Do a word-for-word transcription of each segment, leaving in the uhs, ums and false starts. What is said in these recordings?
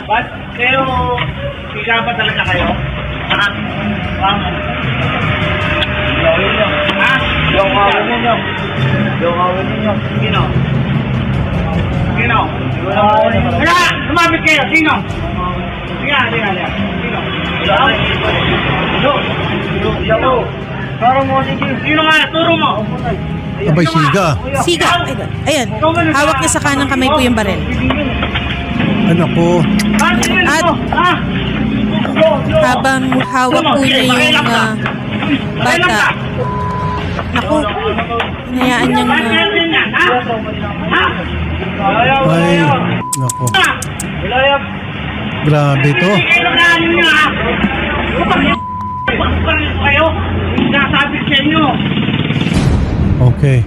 Ba't kayo, higa ba talaga kayo? Ha? Tama. Gawin nyo. Ha? Yung awin ninyo. Yung awin ninyo. Sino? Sino? Kaya, lumapit kayo. Sino? Sige, sige, sige. Sino? Sino? Sino? Turo mo, sige. Sino nga? Turo mo. Abay, siga. Siga. Ayan. Hawak niya sa kanang kamay po yung barel. Ano po? At habang hawak po niya yung uh, bata, naku, hinayaan niyang uh, Ay, nako. Grabe to. kayo, nasabi sa inyo. Okay.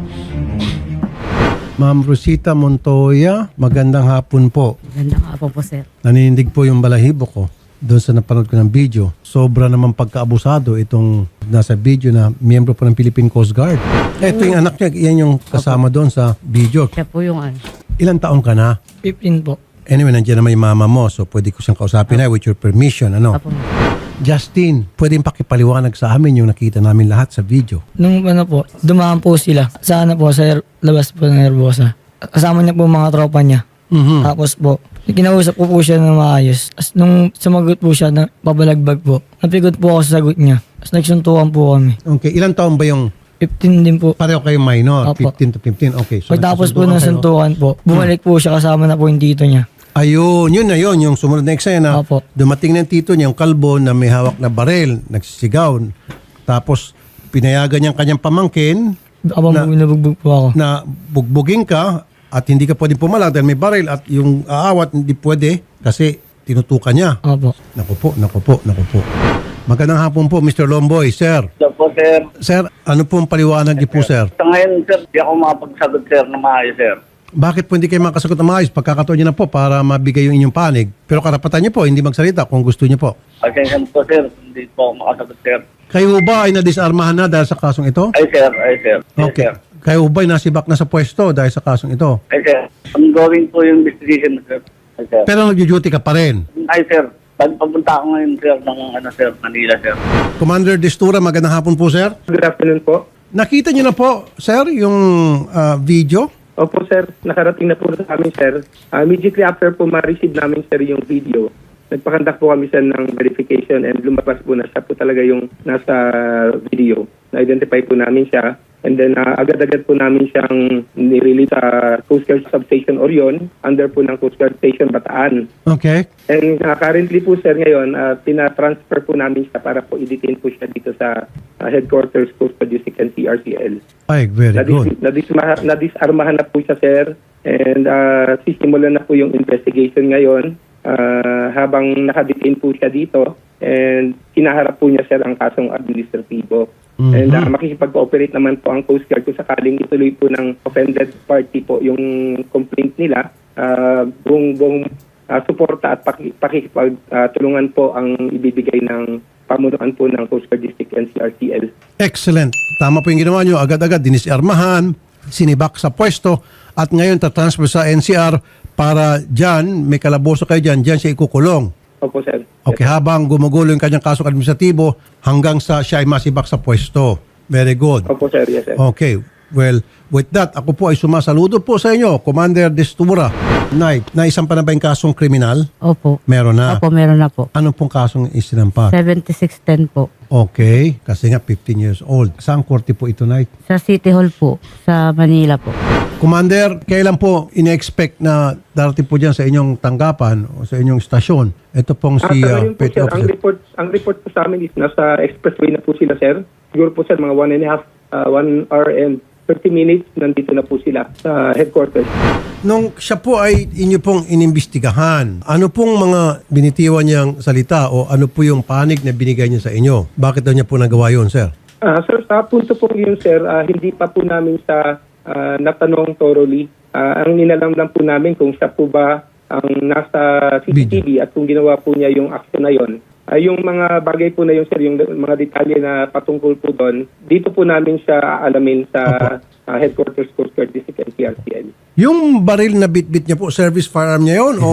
Ma'am Rosita Montoya, magandang hapon po. Magandang hapon po, sir. Naninindig po yung balahibo ko doon sa napanood ko ng video. Sobra naman pagkaabusado itong nasa video na miyembro po ng Philippine Coast Guard. Ito yung anak niya, yan yung kasama doon sa video. Siya po yung ano. Ilang taon ka na? fifteen po. Anyway, nandiyan naman yung mama mo, so pwede ko siyang kausapin na with your permission. Ano? Apo. Justin, pwedeng pakipaliwanag sa amin yung nakita namin lahat sa video. Nung ano po, dumaan po sila. Sa ano po, sa labas po ng Nervosa. Kasama niya po mga tropa niya. Mhm. Tapos po, kinausap ko po siya ng maayos. As nung sumagot po siya, na pabalagbag po. Napigot po ako sa sagot niya. As nagsuntukan po kami. Okay, ilang taon ba yung fifteen din po. pareho kayong minor? Opo. fifteen to fifteen, okay. So Pagtapos po nagkasunduan ng kayo. suntukan po, bumalik po siya kasama na po yung tito niya. Ayun, yun na yun, yung sumunod na eksena. Opo. Dumating ng tito niya, yung kalbo na may hawak na barel, nagsisigaw. Tapos, pinayagan niyang kanyang pamangkin Abang Na- na, nabugbog po ako. na bugbugin ka at hindi ka pwedeng pumalag dahil may baril at yung aawat hindi pwede kasi tinutukan niya. Opo. Naku po, naku po, naku po. Magandang hapon po, Mister Lomboy. Sir, Sir po, sir. sir, ano pong paliwanag niyo po, sir? Sa ngayon, sir, di ako makapagsagot, sir, na maayos, sir. Bakit po hindi kayo makasagot na maayos? Pagkakataon niyo na po para mabigay yung inyong panig. Pero karapatan niyo po, hindi magsalita kung gusto niyo po. Pasensya na po, sir. Hindi po ako makasagot, sir. Kayo ba ay nadisarmahan na dahil sa kasong ito? Ay, sir. Ay, sir. Yes, Okay. sir. Kayo ba ay nasibak na sa pwesto dahil sa kasong ito? Ay, sir. Ongoing po yung investigation, sir. Ay, sir. Pero nag-duty ka pa rin. Ay, sir. Pag papunta ako ngayon, sir, ng ano, sir, Manila, sir. Commander Destura, magandang hapon po, sir. Good afternoon po. Nakita niyo na po, sir, yung ah, video? Opo sir, nakarating na po sa amin sir. Uh, immediately after po ma-receive namin sir yung video, nagpakandak po kami sir ng verification and lumabas po na siya po talaga yung nasa video. Na-identify po namin siya and then uh, agad-agad po namin siyang nirelease sa Coast Guard Substation Orion under po ng Coast Guard Station Bataan. Okay. And uh, currently po sir ngayon, uh, tina-transfer po namin siya para po i-detain po siya dito sa uh, headquarters Coast Guard District and C R C L. Ay, very good. Nadis, nadisma- nadisarmahan na po siya, sir. And uh, sisimulan na po yung investigation ngayon uh, habang nakadetain po siya dito. And kinaharap po niya, sir, ang kasong administratibo. Mhm. And uh, makikipag-cooperate naman po ang Coast Guard kung sakaling ituloy po ng offended party po yung complaint nila. Uh, buong, buong uh, suporta at paki- pakikipag-tulungan po ang ibibigay ng pamunuan po ng Coast Guard District and C R C L. Excellent. Tama po yung ginawa nyo. Agad-agad, dinisarmahan, sinibak sa pwesto, at ngayon tatransfer sa N C R para dyan, may kalaboso kayo dyan, dyan siya ikukulong. Opo, sir. Okay, habang gumugulo yung kanyang kasong administratibo hanggang sa siya ay masibak sa pwesto. Very good. Opo, sir. Yes, sir. Okay. Well, with that, ako po ay sumasaludo po sa inyo, Commander Destura. Knight, naisampa na ba yung kasong kriminal? Opo. Meron na. Opo, meron na po. Anong pong kasong isinampa? seventy-six ten po. Okay, kasi nga fifteen years old. Saan korte po ito, Knight? Sa City Hall po, sa Manila po. Commander, kailan po ine-expect na darating po dyan sa inyong tanggapan o sa inyong stasyon? Ito pong Ah, si sa uh, ngayon po, Petty sir, ang Officer. report, ang report po sa amin is nasa expressway na po sila, sir. Siguro po, sir, mga one and a half, uh, one hour and thirty minutes, nandito na po sila sa headquarters. Nung siya po ay inyo pong inimbestigahan, ano pong mga binitiwan niyang salita o ano po yung panig na binigay niya sa inyo? Bakit daw niya po nagawa yun, sir? Ah, sir, sa punto po yun, sir, ah, hindi pa po namin sa ah, natanong thoroughly. Ah, ang ninalam lang po namin kung siya po ba ang nasa C C T V at kung ginawa po niya yung action na yon. Ay yung mga bagay po na yun, sir, yung mga detalye na patungkol po doon, dito po namin siya aalamin sa uh, headquarters Coast Guard District and C R C L. Yung baril na bit-bit niya po, service firearm niya yun o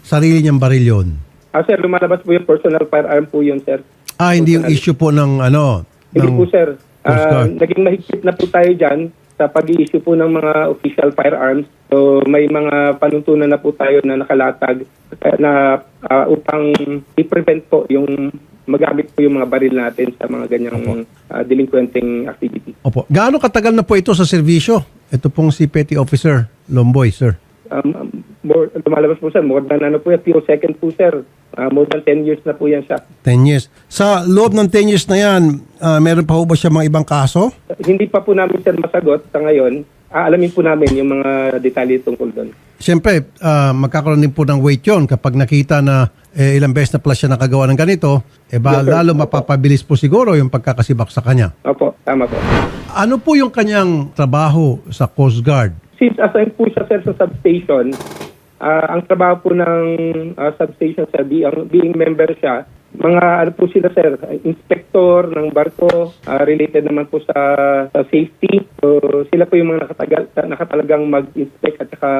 sarili niyang baril yun? Ah, sir, lumalabas po yung personal firearm po yun, sir. Ah, hindi yung Personal. issue po ng ano? Hindi ng- po, sir. Coast Ah, Guard. naging mahigpit na po tayo dyan sa pag-i-issue po ng mga official firearms. So, may mga panuntunan na po tayo na nakalatag eh, na ah, upang i-prevent po yung magamit po yung mga baril natin sa mga ganyang ah, delinquenting activity. Opo. Gaano katagal na po ito sa serbisyo? Ito pong si Petty Officer Lomboy, sir. Um, um, more, lumalabas po, sir. More than ano po yan, few second po, sir. Ah, more than ten years na po yan siya. ten years. Sa loob ng ten years na yan, ah, meron pa po ba siya mga ibang kaso? Hindi pa po namin, sir, masagot sa ngayon. Aalamin po namin yung mga detalye tungkol doon. Siyempre, ah, magkakaroon din po ng weight yun kapag nakita na eh, ilang beses na pala siya nakagawa ng ganito, eh ba, Yes, sir. lalo mapapabilis po siguro yung pagkakasibak sa kanya. Opo, tama po. Ano po yung kanyang trabaho sa Coast Guard? Since assigned po siya, sir, sa substation, ah, ang trabaho po ng ah, substation, sir, being, being member siya, mga ano po sila, sir, inspector ng barko, ah, related naman po sa, sa safety. So, sila po yung mga nakatagal, nakatalagang mag-inspect at saka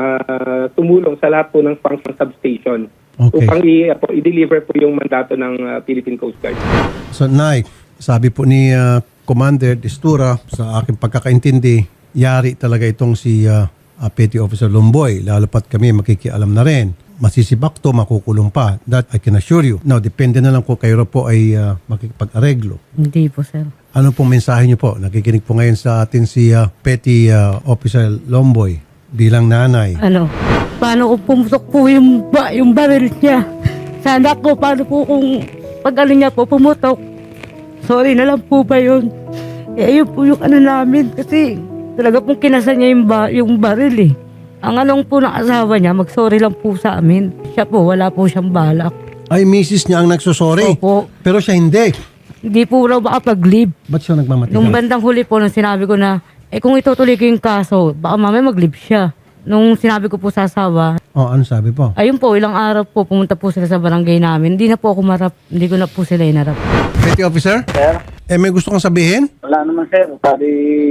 ah, tumulong sa lahat po ng function substation. Okay. Upang i- po, i-deliver po yung mandato ng ah, Philippine Coast Guard. So, Nay, sabi po ni ah, Commander Destura, sa aking pagkakaintindi, yari talaga itong si ah, ah, Petty Officer Lomboy. Lalo pat kami makikialam na rin. Masisibak to, makukulong pa. That I can assure you. Now, depende na lang kung kayo po ay ah, makikipag-areglo. Hindi po, sir. Ano pong mensahe niyo po? Nakikinig po ngayon sa atin si ah, Petty ah, Officer Lomboy bilang nanay. Ano, paano kung pumutok po yung, ba, yung baril niya? Sana po, paano po kung pag ano niya po pumutok? Sorry na lang po ba yun? Eh, ayun po yung ano namin kasi talaga pong kinasa niya yung, ba, yung baril eh. Ang anong po ng asawa niya, mag-sorry lang po sa amin. Siya po, wala po siyang balak. Ay, misis niya ang nagsusorry. Opo. Pero siya hindi. Hindi po raw makapag-leave. Ba't siya nagmamatigas? Nung bandang huli po, nung sinabi ko na, eh kung itutuloy ko yung kaso, baka mamaya mag-leave siya. Nung sinabi ko po sa asawa, Oh, ano sabi po? ayun po, ilang araw po, pumunta po sila sa barangay namin. Hindi na po ako marap, hindi ko na po sila inarap. Petty Officer? Sir, Eh, may gusto kang sabihin? wala naman sir. Pwede,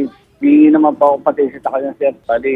di naman pa ako pati sa kanya sir. Pwede,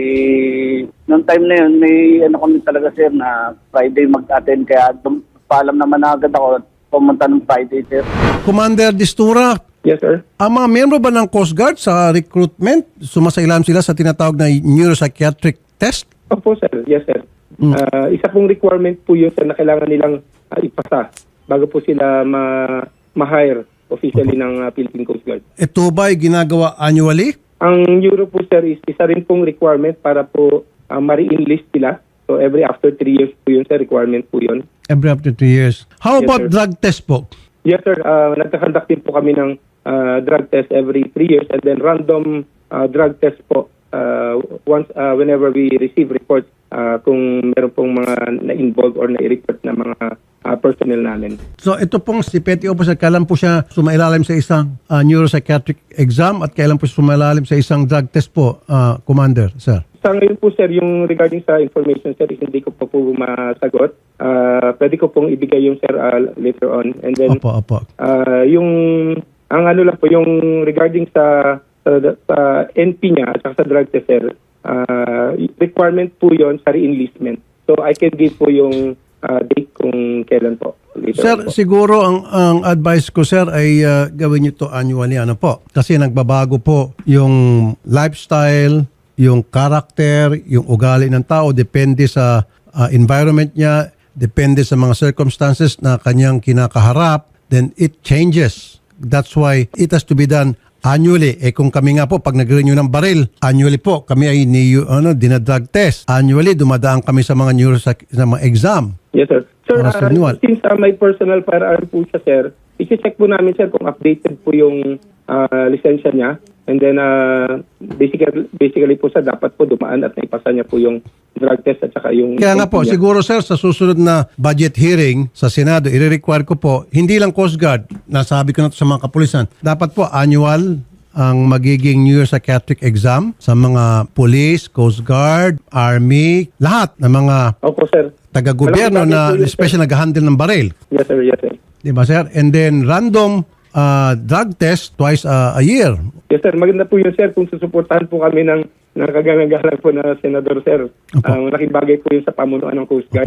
noong time na yun, may ano kami talaga sir na Friday mag-attend. Kaya dum- paalam naman na agad ako pumunta ng Friday sir. Commander Destura, Yes, sir. ang mga miyembro ba ng Coast Guard sa recruitment, sumasailalim sila sa tinatawag na neuropsychiatric test? Opo, sir. Yes, sir. Ah, isa pong requirement po yun, sir, na kailangan nilang ah, ipasa bago po sila ma- ma-hire officially ng ah, Philippine Coast Guard. Ito ba ay ginagawa annually? Ang Euro po, sir, is isa rin pong requirement para po ah, ma-re-enlist sila. So, every after three years po yun, sir, requirement po yun. Every up to two years. How Yes, about sir. drug test po? Yes, sir. Uh, nagkakandak din po kami ng ah, drug test every three years and then random ah, drug test po uh, once ah, whenever we receive reports ah, kung meron pong mga na-involve or na-report na mga ah, personnel namin. So ito pong si Petty Officer, kailan po siya sumailalim sa isang ah, neuropsychiatric exam at kailan po siya sumailalim sa isang drug test po, ah, Commander, sir? Sa ngayon po, sir, yung regarding sa information, sir, is hindi ko po po masagot. Ah, pwede ko pong ibigay yung, sir, ah, later on. And then, Opo, opo. ah, yung, ang ano lang po, yung regarding sa, sa, sa N P niya at saka sa drug test, sir, ah, requirement po yon sa re-enlistment. So, I can give po yung ah, date kung kailan po. Later Sir, on po. siguro ang ang advice ko, sir, ay ah, gawin niyo to annually, ano po? Kasi nagbabago po yung lifestyle, yung character, yung ugali ng tao, depende sa ah, environment niya, depende sa mga circumstances na kanyang kinakaharap, then it changes. That's why it has to be done annually. Eh kung kami nga po, pag nag-renew ng baril, annually po, kami ay ni, ano, dinadrug test. Annually, dumadaan kami sa mga neuropsych, sa mga exam. Yes, sir. Sir, Para sa ah, renewal. since uh, may personal firearm po siya, sir, i-check po namin, sir, kung updated po yung ah, lisensya niya. And then, uh, basically, basically po, sir, dapat po dumaan at naipasa niya po yung drug test at saka yung... Kaya nga po, niya. siguro sir, sa susunod na budget hearing sa Senado, i-require ko po, hindi lang Coast Guard, nasabi ko na to sa mga kapulisan, dapat po annual ang magiging neuropsychiatric exam sa mga police, Coast Guard, Army, lahat ng mga Opo, sir. taga-gobyerno Malaking na bagay po yun, sir. especially nag-handle ng baril. Yes, sir. Yes, sir. Di ba sir? And then random uh, drug test twice uh, a year. Yes, sir. Maganda po yun, sir, kung susuportahan po kami ng nakagagalang po na senador, sir. Opo. Ang malaking bagay po yun sa pamunuan ng Coast Guard. Opo.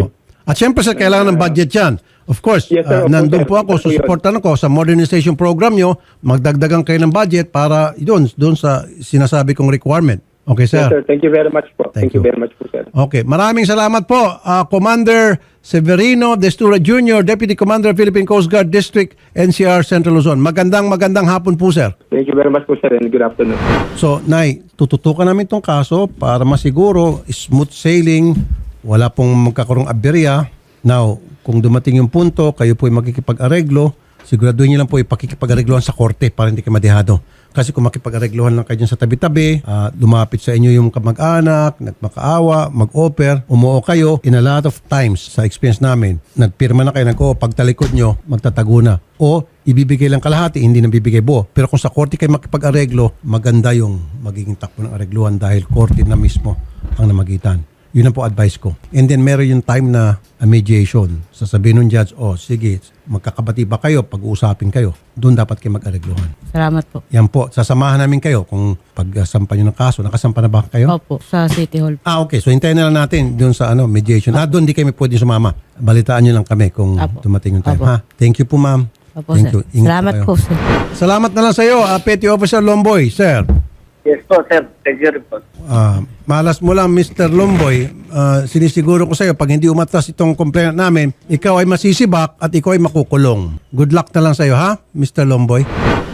At syempre sir, kailangan ng budget yan. Of course, Yes, sir. uh, Opo, nandun sir. po ako, Opo, yun. susuportan ako sa modernization program nyo, magdagdagan kayo ng budget para doon, doon sa sinasabi kong requirement. Okay, Yes, sir? sir. Thank you very much po. Thank Thank, you you. very much po, sir. Okay, maraming salamat po. Uh, Commander Severino Destura Junior, Deputy Commander Philippine Coast Guard District, N C R Central Luzon. Magandang magandang hapon po, sir. Thank you very much po, sir, and good afternoon. So, Nay, tututukan namin itong kaso para masiguro smooth sailing, wala pong magkakaroong aberya. Now, kung dumating yung punto, kayo po ay makikipag-areglo, siguraduhin niyo lang po ipakikipag-areglohan sa korte para hindi kayo madihado. Kasi kung makipag-areglohan lang kayo dyan sa tabi-tabi, ah, lumapit sa inyo yung kamag-anak, nagmakaawa, mag-offer, umuo kayo, in a lot of times sa experience namin, nagpirma na kayo, nag-o, pagtalikod nyo, magtatago na. O ibibigay lang kalahati, hindi na bibigay buo. Pero kung sa korte kayo makipag-areglo, maganda yung magiging takbo ng aregluhan dahil korte na mismo ang namagitan. Yun ang po advice ko. And then meron yung time na uh, mediation. Sasabihin ng judge, oh sige, magkakabati ba kayo, pag-uusapin kayo. Doon dapat kayo mag-aregluhan. Salamat po. Yan po, sasamahan namin kayo kung pagsampa nyo ng kaso. Nakasampa na ba kayo? Opo, sa City Hall. Ah, okay. So hintayin na lang natin doon sa ano mediation. Ah, doon di kami pwede sumama. Balitaan nyo lang kami kung Apo. dumating yung time. Apo. Ha? Thank you po, ma'am. Opo, Thank sir. you. Ingat Salamat kayo. po, sir. Salamat na lang sa iyo, uh, Petty Officer Lomboy, sir. Yes po, sir. Thank you rin po. Ah, malas mo lang, Mister Lomboy. Ah, sinisiguro ko sa iyo, pag hindi umatras itong complaint namin, ikaw ay masisibak at ikaw ay makukulong. Good luck na lang sa iyo, ha, Mister Lomboy?